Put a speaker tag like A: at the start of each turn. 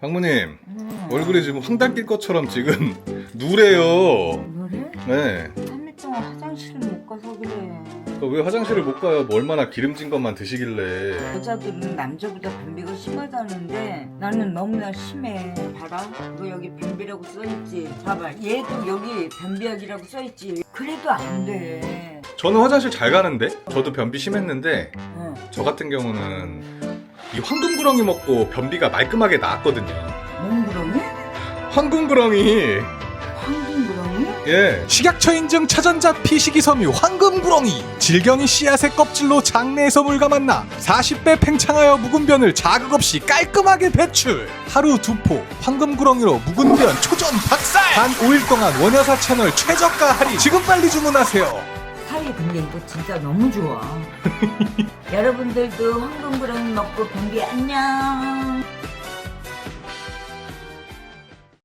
A: 황무님 얼굴이 지금 황달 낄 것처럼 지금 누래요.
B: 노래?
A: 네.
B: 3일 동안 화장실을 못 가서 그래.
A: 왜 화장실을 못 가요? 뭐 얼마나 기름진 것만 드시길래.
B: 여자들은 남자보다 변비가 심하다는데 나는 너무나 심해. 봐라, 이거 여기 변비라고 써있지. 봐봐, 얘도 여기 변비약이라고 써있지. 그래도 안 돼.
A: 저는 화장실 잘 가는데? 저도 변비 심했는데
B: 응.
A: 저 같은 경우는 이 황금구렁이 먹고 변비가 말끔하게 나았거든요.
B: 몽구렁이?
A: 황금구렁이.
B: 황금구렁이?
A: 예.
C: 식약처 인증 차전자 피식이 섬유 황금구렁이 질경이 씨앗의 껍질로 장내에서 물과 만나 40배 팽창하여 묵은 변을 자극 없이 깔끔하게 배출. 하루 2포 황금구렁이로 묵은 변 초전 박살. 단 5일 동안 원효사 채널 최저가 할인. 지금 빨리 주문하세요.
B: 사이 근데 이거 진짜 너무 좋아. 여러분들도 황금구렁이 먹고 변비 안녕.